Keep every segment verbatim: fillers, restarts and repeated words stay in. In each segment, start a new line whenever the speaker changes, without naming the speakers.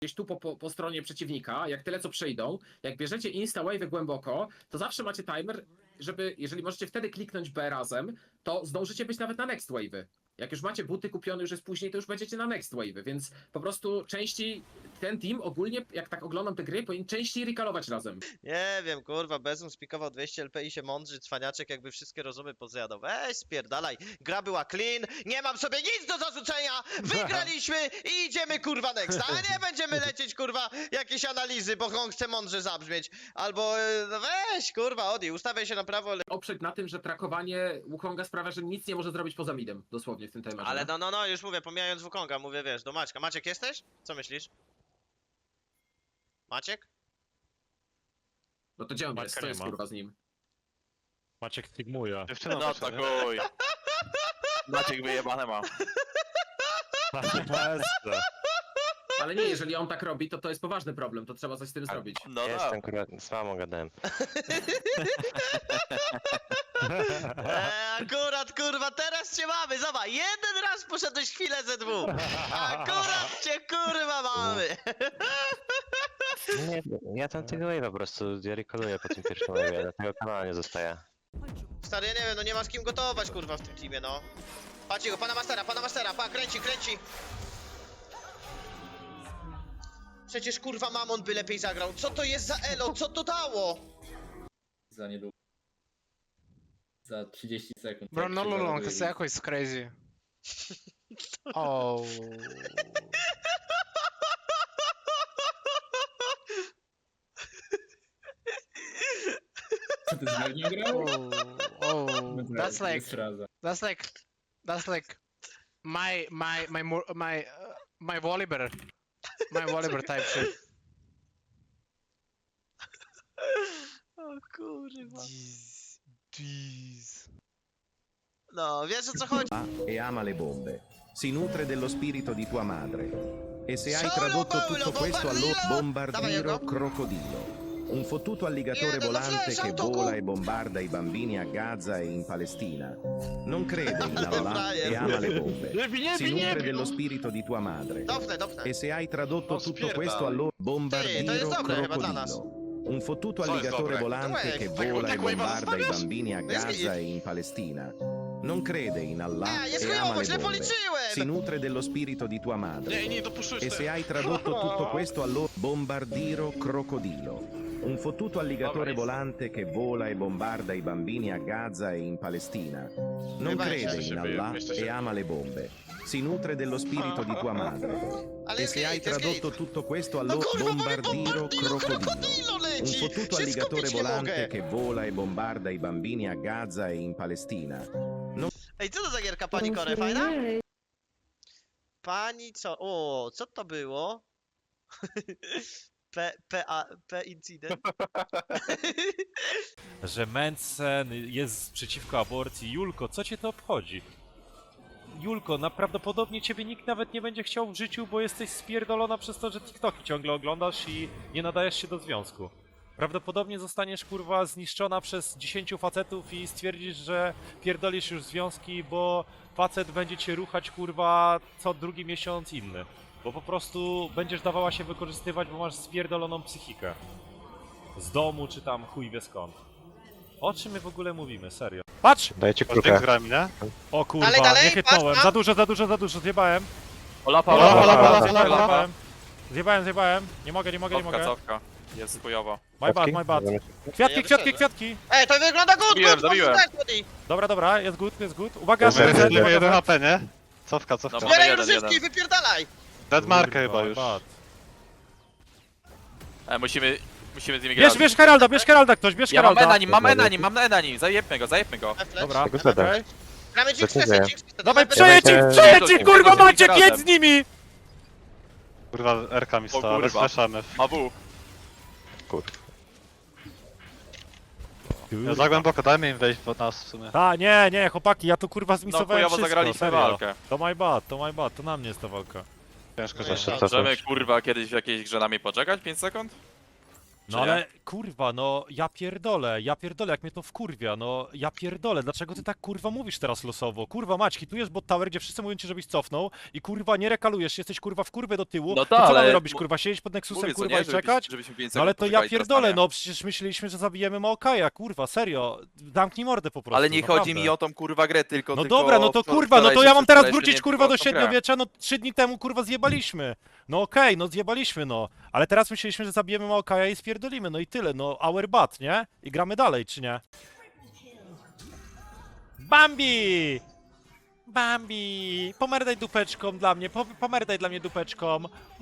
gdzieś tu po, po, po stronie przeciwnika, jak tyle co przejdą, jak bierzecie insta wave głęboko, to zawsze macie timer, żeby, jeżeli możecie wtedy kliknąć B razem, to zdążycie być nawet na next wave'y. Jak już macie buty kupione, już jest później, to już będziecie na next wave'y, więc po prostu częściej ten team ogólnie, jak tak oglądam te gry, powinien częściej recallować razem.
Nie wiem, kurwa, Bezum spikował dwieście L P i się mądrzy, cwaniaczek jakby wszystkie rozumy pozjadał. Weź spierdalaj, gra była clean, nie mam sobie nic do zarzucenia, wygraliśmy i idziemy kurwa next, a nie będziemy lecieć kurwa jakieś analizy, bo on chce mądrze zabrzmieć, albo e, no weź kurwa, Odi, ustawiaj się na prawo, le...
Oprzeć na tym, że trakowanie Wukonga sprawia, że nic nie może zrobić poza midem, dosłownie w tym tematze.
Ale no, no, no, już mówię, pomijając Wukonga, mówię, wiesz, do Maćka. Maciek jesteś? Co myślisz? Maciek?
No to gdzie on jest?
Maćka
Co
nie
jest
ma.
kurwa z nim?
Maciek figmuje.
No to chuj. Maciek wyjebane ma.
Ale nie, jeżeli on tak robi, to to jest poważny problem, to trzeba coś z tym zrobić.
No tak.
Jestem kurwa, z mamą gadałem.
Eee, akurat kurwa, teraz cię mamy, zobacz, jeden raz poszedłeś chwilę ze dwóch. Akurat cię kurwa mamy.
Nie, ja tam tego wave'a po prostu, ja recalluję po tym pierwszym wave'ie, dlatego kanała nie zostaje.
Stary, ja nie wiem, no nie ma z kim gotować kurwa w tym teamie, no. Patrzcie go, pana Mastera, pana Mastera, pa, kręci, kręci. Przecież kurwa Mamon by lepiej zagrał. Co to jest za elo? Co to dało?
Za niedługo. Za trzydzieści sekund.
Bro,
jak
no
się
long,
załaduje
it's echo is crazy. Oh.
Co ty z Magnią grał?
Oh, oh, that's like,
Jest raza.
that's like, that's like my, my, my, mo- my, uh, my Volibear, my Volibear type shit.
O kurwa.
Jeez, jeez.
No, wiesz o co chodzi?
E ama le bombe. Si nutre dello spirito di tua madre. E se hai
Solo
tradotto
Paolo,
tutto questo allora
bombardino! Dai,
bombardiro
Jacob.
crocodilo. Un fottuto alligatore
Viene dalla
volante
flash,
che
autogol.
vola e bombarda i bambini a Gaza e in Palestina. Non crede in Allah
Brian.
e ama le bombe.
Nie
Si nutre dello spirito di tua madre.
Dopnę, dopnę.
E se hai tradotto
No,
tutto
spierdalaj.
questo allora
Sì, to
bombardiro
jest dobre chyba dla nas.
crocodilo. Un fottuto
Co jest
alligatore
dobre?
volante
Dov'è?
che
Tak-
vola e
tak wave'a
bombarda i
zostawiasz?
bambini a
No jest
Gaza e in Palestina. Non crede in Allah
A, jest
e
chujowo,
ama le
źle
bombe. Si
policzyłem!
nutre dello spirito di tua madre.
Nie, nie dopuszczujesz
E se hai tradotto tutto questo allora bombardiro crocodilo. Un fottuto alligatore volante che vola e bombarda i bambini a Gaza e in Palestina. Non
Chyba
crede
jeszcze
in
się
Allah
jeszcze
e
się-
ama le bombe. Si nutre dello spirito di tua madre.
Ale
E
jest
se hai
git, jest
tradotto
git.
tutto questo
No
allora
kurwa, mamy
bombardiro
bombardino
crocodilo.
krokodilo
Un
leci!
fottuto
Się
alligatore
skupić nie
volante
mogę!
che vola e bombarda i bambini a Gaza e in Palestina.
Ej, co to za gierka, pani Kore, fajna? Pani co? O, co to było? P, P, A, P incydent?
Że Mencen jest przeciwko aborcji. Julko, co cię to obchodzi? Julko, prawdopodobnie ciebie nikt nawet nie będzie chciał w życiu, bo jesteś spierdolona przez to, że TikToki ciągle oglądasz i nie nadajesz się do związku. Prawdopodobnie zostaniesz kurwa zniszczona przez dziesięciu facetów i stwierdzisz, że pierdolisz już związki, bo facet będzie cię ruchać kurwa co drugi miesiąc inny. Bo po prostu będziesz dawała się wykorzystywać, bo masz spierdoloną psychikę. Z domu czy tam chuj wie skąd. O czym my w ogóle mówimy, serio? Patrz!
Dajcie
Zdjęć
kruka.
z grami, nie? O kurwa,
Dalej, dalej,
nie chytnąłem.
patrz,
Za dużo, za dużo, za dużo, zjebałem.
Ola,
Ola,
Ola,
ola, ola,
Ola,
zjebałem,
Ola,
zjebałem. Zjebałem, zjebałem. Nie mogę, nie mogę, nie
Cofka,
mogę.
cofka. Jest chujowo.
My bad, my bad. Kwiatki,
Ja
kwiatki,
wyszedłem.
kwiatki.
Ej, to wygląda good,
Zabiłem,
good,
zabiłem.
good, good, good.
Dobra, dobra, jest good, jest good. Uwaga,
Dobra,
że
jeden,
jeden
H P, nie? Cofka, cofka.
No,
Zbieraj
jeden,
rozrywki,
jeden.
wypierdalaj!
Deadmarkę chyba już.
E, musimy, musimy z nimi grać.
Bierz, bierz Heralda, bierz Heralda ktoś, bierz
Ja mam
Heralda.
E na nim, mam E na nim, mam E na nim. Zajebmy go, zajebmy go.
Dobra,
Tego zada.
okej.
Gramy Jinx
Decyzja.
Fest, Jinx Fest.
Dawaj,
Bez-
przejedź ich,
Eee,
przejedź ich, kurwa
Tego
Maciek,
razem.
jedź z nimi!
Kurwa, R-ka mi
O
stała, ale
kurwa.
słyszamy.
Ma W.
Ja za głęboko, dajmy im wejść pod nas w sumie.
A, nie, nie, chłopaki, ja tu kurwa
No
zmisowałem
chujowo
wszystko,
zagraliśmy
serio.
walkę.
To my bad, to my bad, to na mnie jest ta walka.
Ciężko,
No
że
Jeszcze
jest
cofnąć.
Możemy kurwa kiedyś w jakiejś grze na mnie poczekać? pięć sekund?
No ale kurwa, no ja pierdolę, ja pierdolę, jak mnie to wkurwia, no ja pierdolę, dlaczego ty tak kurwa mówisz teraz losowo? Kurwa mać, hitujesz bot tower, gdzie wszyscy mówią ci, żebyś cofnął i kurwa nie rekalujesz, jesteś kurwa w kurwę do tyłu,
No
to
tak,
co mamy
ale
robić,
mu-
kurwa, siedzieć pod Nexusem
Mówię, co
kurwa
nie,
i
żebyś-
czekać?
żebyśmy pięć
No ale
sekund
to ja
poczekali, teraz
pierdolę,
Tania.
no przecież myśleliśmy, że zabijemy Maokaja, kurwa, serio, damknij mordę po prostu,
Ale nie chodzi
naprawdę.
mi o tą kurwa grę, tylko
No
tylko
dobra, no
o
to
wczor-
kurwa, no to
wczorajsze
ja mam teraz
wczorajsze,
wrócić
nie
kurwa
tylko
do
o tą grę.
średniowiecza, no trzy dni temu kurwa zjebaliśmy. No okej, no zjebaliśmy no, ale teraz myśleliśmy, że zabijemy Maokaja i spierdolimy, no i tyle, no our bat, nie? I gramy dalej, czy nie? Bambi! Bambi! Pomerdaj dupeczką dla mnie, po, pomerdaj dla mnie dupeczką.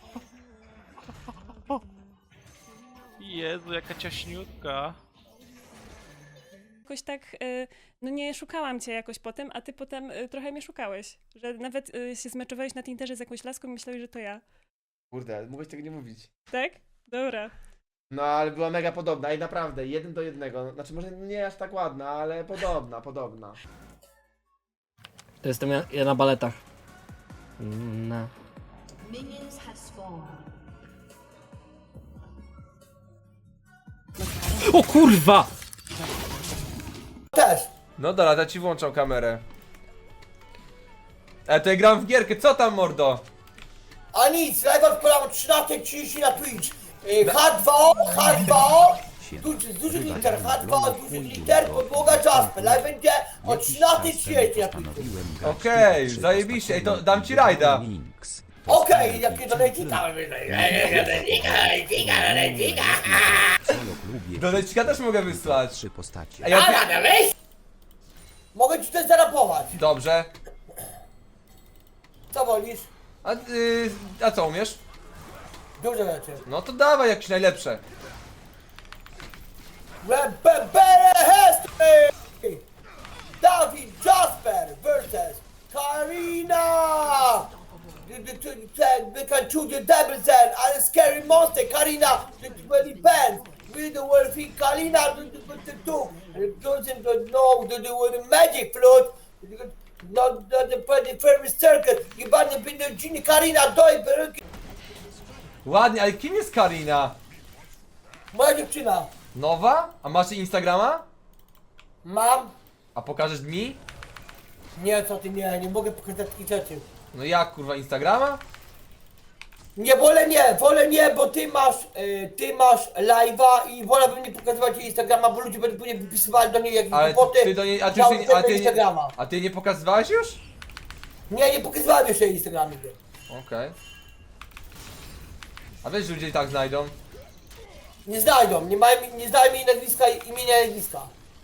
Jezu, jaka ciaśniutka.
Jakoś tak, y, no nie szukałam cię jakoś potem, a ty potem y, trochę mnie szukałeś. Że nawet y, się zmeczowałeś na Tinderze z jakąś laską i myślałeś, że to ja.
Kurde, ale mogłeś tego nie mówić.
Tak? Dobra.
No ale była mega podobna i naprawdę, jeden do jednego. Znaczy może nie aż tak ładna, ale podobna, podobna.
To jestem ja, ja na baletach. No. O kurwa!
Też!
No dobra, to ci włączam kamerę. E, to ja gram w gierkę, co tam mordo?
A nic, live odpalam trzynaście trzydzieści na Twitch. H dwa O, H dwa O, duży, duży liter, H dwa O, duży liter, podłoga Jasper. Live będzie o trzynaście trzydzieści na Twitchu.
Okej, zajebiście, ej to dam ci rajda.
Okej, jakie donajcika.
Do Lecika też mogę wysłać.
Trzy postacie.
Ej, ja pi-
Dobra, weź! Mogę ci też zarapować.
Dobrze.
Co wolisz?
A, y, a co umiesz?
Duże rzeczy.
No to dawaj jakieś najlepsze.
Rebele History! Dawid Jasper versus Karina! We can choose your double zen and a scary monster, Karina, the twenty pants. With the word thing, Karina, the two. And it doesn't know the the magic flute. Not the the famous circus. You bought the big genie, Karina, doj, peruki.
Ładnie, ale kim jest Karina?
Moja dziewczyna.
Nowa? A masz Instagrama?
Mam?
A pokażesz mi?
Nie, co ty, nie, nie mogę pokazać takich rzeczy.
No jak kurwa Instagrama?
Nie, wolę nie, wolę nie, bo ty masz, y, ty masz live'a i wolałbym nie pokazywać jej Instagrama, bo ludzie będą później wypisywali do niej jakieś
Ale
głupoty.
ty do niej, a ty,
na
już nie, a, ty nie,
Instagrama.
a ty nie pokazywałeś już?
Nie, nie pokazywałem jeszcze jej Instagrama nigdy.
Okej. A wiesz, że ludzie i tak znajdą?
Nie znajdą, nie mają, nie znają jej nazwiska, imienia i nazwiska.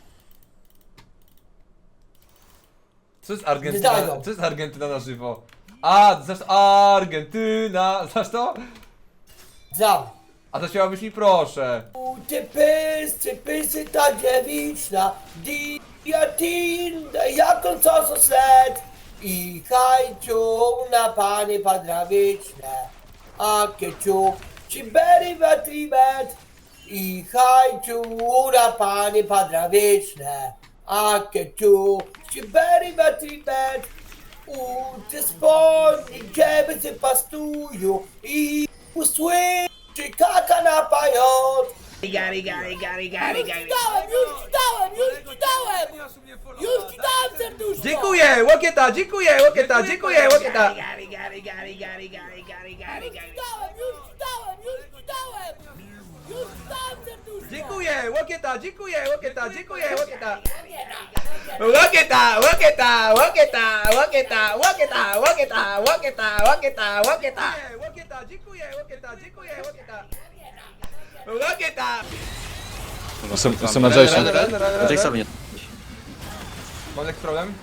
Co jest
Nie
Argentyna?
znajdą.
Co jest Argentyna na żywo? A, znasz Argentyna, znasz to?
Znam.
A to śpiewałabyś mi proszę.
U, Ty pys, ty pysy ta dziewiczna, diatin, jaką co sled i hajciu na panie padrawiczne. A kieciu, ci beri batribet i hajciu na panie padrawiczne. A kieciu, ci beri batribet u te spodnie, ciebie się pastują i usłyszy kaka na pajot. Gary, Gary, Gary, Gary, Gary. Już ci dałem, już ci dałem, już ci dałem! Już ci dałem serduszko!
Dziękuję, łokieta, dziękuję, łokieta, dziękuję, łokieta.
Gary, Gary, Gary, Gary, Gary, Gary, Gary, Gary. Już ci dałem, już ci dałem, już ci dałem! Już ci dałem serduszko!
Dziękuję, łokieta, dziękuję, łokieta, dziękuję, łokieta. Łokieta, łokieta, łokieta, łokieta, łokieta, łokieta, łokieta, łokieta, łokieta. Łokieta, dziękuję, łokieta, dziękuję, łokieta. Łokieta.
Jestem, jestem na Jason.
Jason nie. Mam jakiś problem?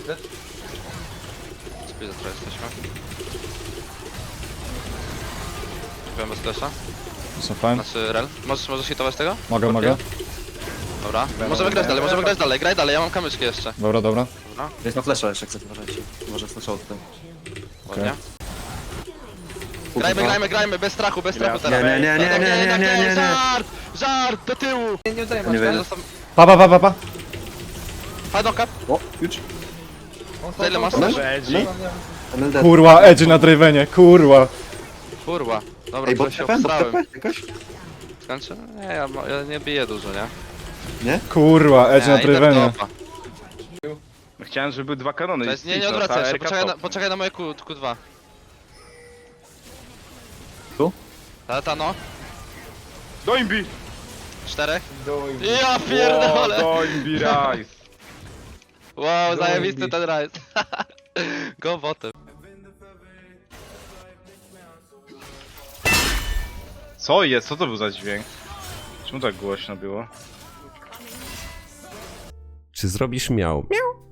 Spójrz, za jesteśmy. Byłem bez flesza.
Jestem fajny.
Znaczy, rel. Możesz, możesz hitować tego?
Mogę, mogę.
Dobra. Możemy grać dalej, możemy grać dalej. Graj dalej, ja mam kamyczki jeszcze.
Dobra, dobra.
Dobra,
Jest na flesza jeszcze, jak chcesz, uważajcie. Może flesza tutaj.
ładnie. Grajmy, grajmy, grajmy, bez strachu, bez strachu teraz.
Nie, nie, nie, nie, nie, nie, nie, nie, nie.
Żart! Żart! Do tyłu!
Nie, nie udaję,
Nie wiem.
masz
Pa, pa, pa, pa, pa.
Hadoka,
O, już.
za ile masz?
Kurwa, Edge na Dravenie, kurwa.
Kurwa. Dobra,
Ej,
to
bot
się
T P? Bot
obstrałem.
T P? Jakoś?
skończę? Nie, ja, ma- ja nie biję dużo, nie?
Kurwa, Edge
Nie,
na
idę w
Drivenie.
topa.
Chciałem, żeby były dwa kanony.
To jest, nie, nie odwracaj się, poczekaj na, poczekaj na moje Q, Q2.
Tu?
Tata no,
Doimbi!
czterech. Ja pierdolę!
Doimbi Rise!
Wow, zajebisty ten rise. Go botem.
Co jest? Co to był za dźwięk? Czemu tak głośno było?
Czy zrobisz miał? Miał.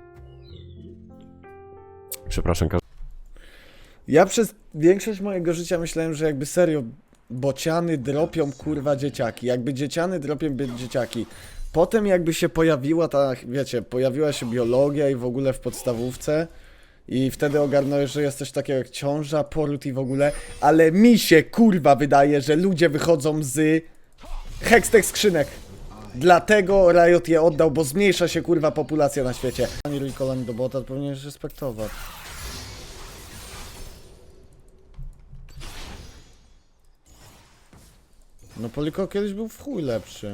Przepraszam,
Ja przez większość mojego życia myślałem, że jakby serio bociany dropią kurwa dzieciaki. Jakby dzieciany dropią by dzieciaki. Potem jakby się pojawiła ta, wiecie, pojawiła się biologia i w ogóle w podstawówce. I wtedy ogarnąłeś, że jest coś takiego jak ciąża, poród i w ogóle. Ale mi się kurwa wydaje, że ludzie wychodzą z hextech skrzynek. Dlatego Riot je oddał, bo zmniejsza się kurwa populacja na świecie. Ani Ricola, ani do bota powinieneś respektować. No Poliko kiedyś był w chuj lepszy.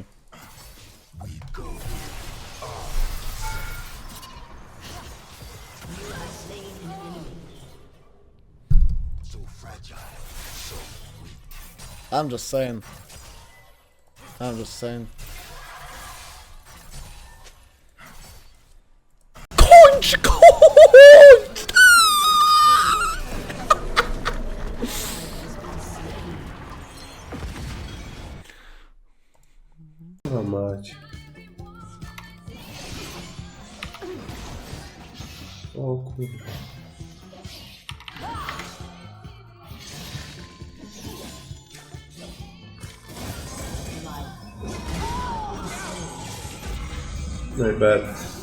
I'm just saying. I'm just saying. Kończ, kończ!
O mać. O kurwa. No i bad.